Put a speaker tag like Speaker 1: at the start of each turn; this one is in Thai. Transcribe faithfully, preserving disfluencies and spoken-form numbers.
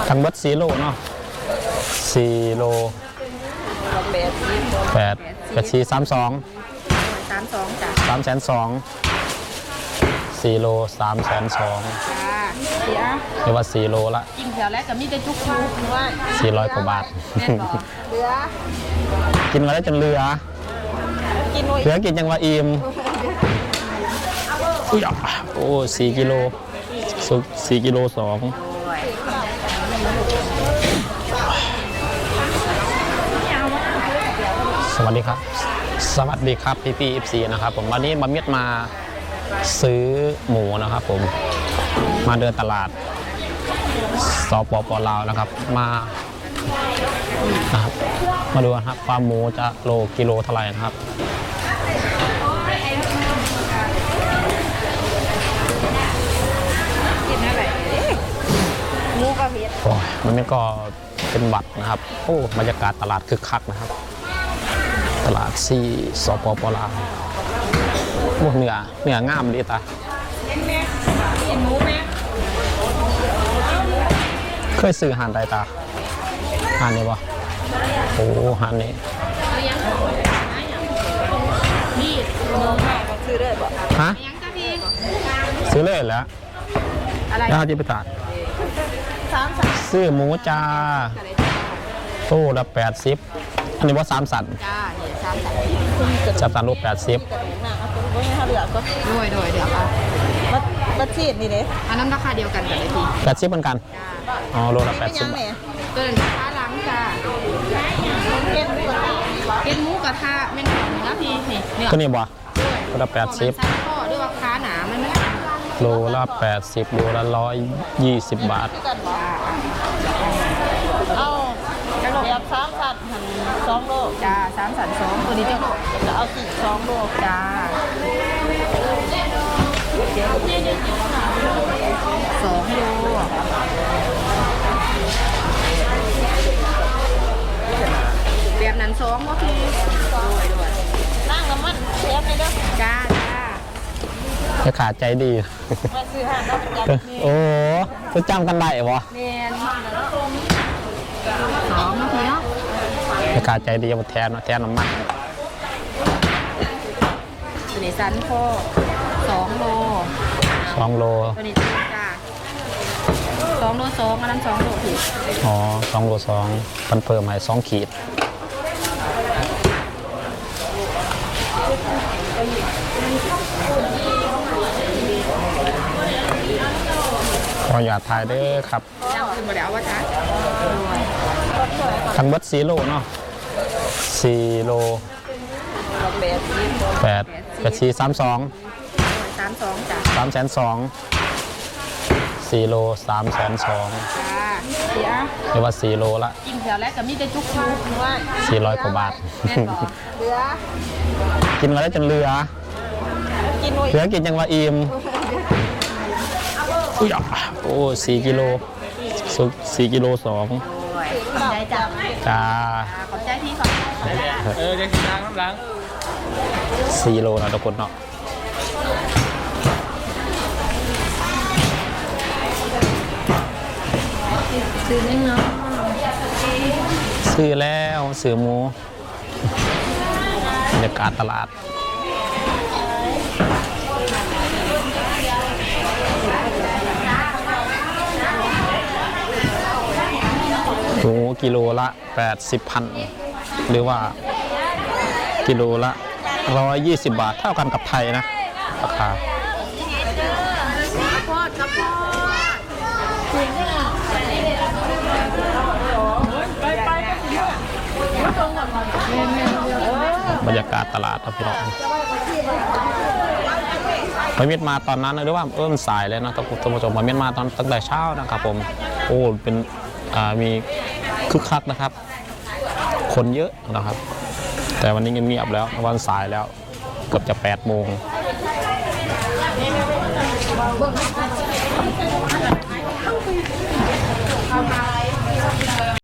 Speaker 1: ทั้งหมดสี่โลเนาะสี่โลแปดแปดสี่สามสอง
Speaker 2: สามสองจ้ะ
Speaker 1: สามแสนสองสี่โลสามแสนสอง
Speaker 2: จ้าเสีย
Speaker 1: เรียกว่าสี่โลละ
Speaker 2: กินแถวแรกกับมีแต่จุกจุกว่า
Speaker 1: สี่ร้อยกว่าบาท
Speaker 2: เหลือ
Speaker 1: กินมาแล้วจนเรือ
Speaker 2: กิน
Speaker 1: เหลือกินยังว่าอิ่มอุ้ยโอ้สี่กิโลสุกสี่กิโลสองสวัสดีครับสวัสดีครับพี่พี่เอฟซีนะครับผมวันนี้มาเมียดมาซื้อหมูนะครับผมมาเดินตลาดสปป.ลาวนะครับมานะครับมาดูนะครับความหมูจะโลกิโลเท่าไหร่นะครับ
Speaker 2: หมูกระเพ็ด
Speaker 1: โอ้ยมันนี่ก็เป็นบัตรนะครับโอ้บรรยากาศตลาดคึกคักนะครับตลาดซีสปป.ลาวโอ้เหนือเหนืองามดีตาเคยซื้อหานใดตาหานนี้ปะโอ้หานนี้
Speaker 2: ซื้อเลยบ่
Speaker 1: ฮะซื้อเลยแล้วย่าจิปตาซื้อหมูจ้าตู้ละแปดสิบอันนี้ว่าสามสัน
Speaker 2: จ้าเนี่ยสามสัน
Speaker 1: สามสันรูปแปดสิบ
Speaker 2: ด้วยด้วยเดี๋ยวค่ะบัตบัตชีดนี่เลยอันนั้นราคาเดียวกันกันเลยที
Speaker 1: แปดสิบเหมือนกันอ๋อโลละแปดสิบ
Speaker 2: เกินราคาล้างจ้าเก็ดหมูกระทะเก็ดหมูกระทะเมนของเนื้อพี่นี่เนื้อ
Speaker 1: ก็นี่บ่โลละแปดสิบ
Speaker 2: ด้วยว่าค้าหนามันไม่
Speaker 1: โลละแปดสิบโลละร้อยยี่สิบบาท
Speaker 2: เอาจะโลแบบสามสันหันสองโลจ้าสามสันสองตัวนี้จะโลจะเอาสี่สองโลจ้าสองโลแบบนั้นสองก็คือนั่งน้ำมันเชฟเลยเด้อจ้าจ้า
Speaker 1: จะขาดใจดี
Speaker 2: มาซื้อหาน้ำมัน
Speaker 1: โอ้จะจำกันได้ปะ
Speaker 2: เมนสองนาทีเนาะ
Speaker 1: จะขาดใจดีมาแทนแทนน้ำมัน
Speaker 2: ตัวนี้สันโคสองโล
Speaker 1: สองโล
Speaker 2: ตัวนี้จ้าสองโลสองอันนั้นสองโลผิด
Speaker 1: อ๋อสองโลสองมันเพิ่มให้สองขีดขออย่าถ่ายได้ครับทั้งหมดสี่โลเนาะสี่โลแปดแปดสี่สามสอง
Speaker 2: สามสองจ้ะ
Speaker 1: สามแสนสองสี่โลสามแสนสอง
Speaker 2: เสีย
Speaker 1: เรียกว่าสี่โลละ
Speaker 2: กินแถวแรกกับมีแต่จุกจุกว่า
Speaker 1: สี่ร้อยกว่าบาท
Speaker 2: เหลือ
Speaker 1: กินมาแล้วจนเรือ
Speaker 2: กินเห
Speaker 1: ลือกินยังว่าอิ่มอุ้ยโอ้สี่กิโลสุกสี่กิโลสอง
Speaker 2: ใจจับ
Speaker 1: จ้า
Speaker 2: ขอบใจที่ขอบ
Speaker 1: เออจะกินล้างน้ำล้างสี่โลนะทุกคนเนาะ
Speaker 2: ซื้อเนื้อ
Speaker 1: ซื้อแล้วซื้อหมูบรรยากาศตลาดหมูกิโลละแปดสิบพันหรือว่ากิโลละร้อยยี่สิบบาทเท่ากันกับไทยนะราคาบรรยากาศตลาดครับพี่น้องไปเมียนมาตอนนั้นหรือว่าเอิ่มสายเลยนะท่านผู้ชมมาเมียนมาตอนตั้งแต่เช้านะครับผมโอ้เป็นมีคึกคักนะครับคนเยอะนะครับแต่วันนี้เงียบๆแล้ววันสายแล้วเกือบจะแปดโมง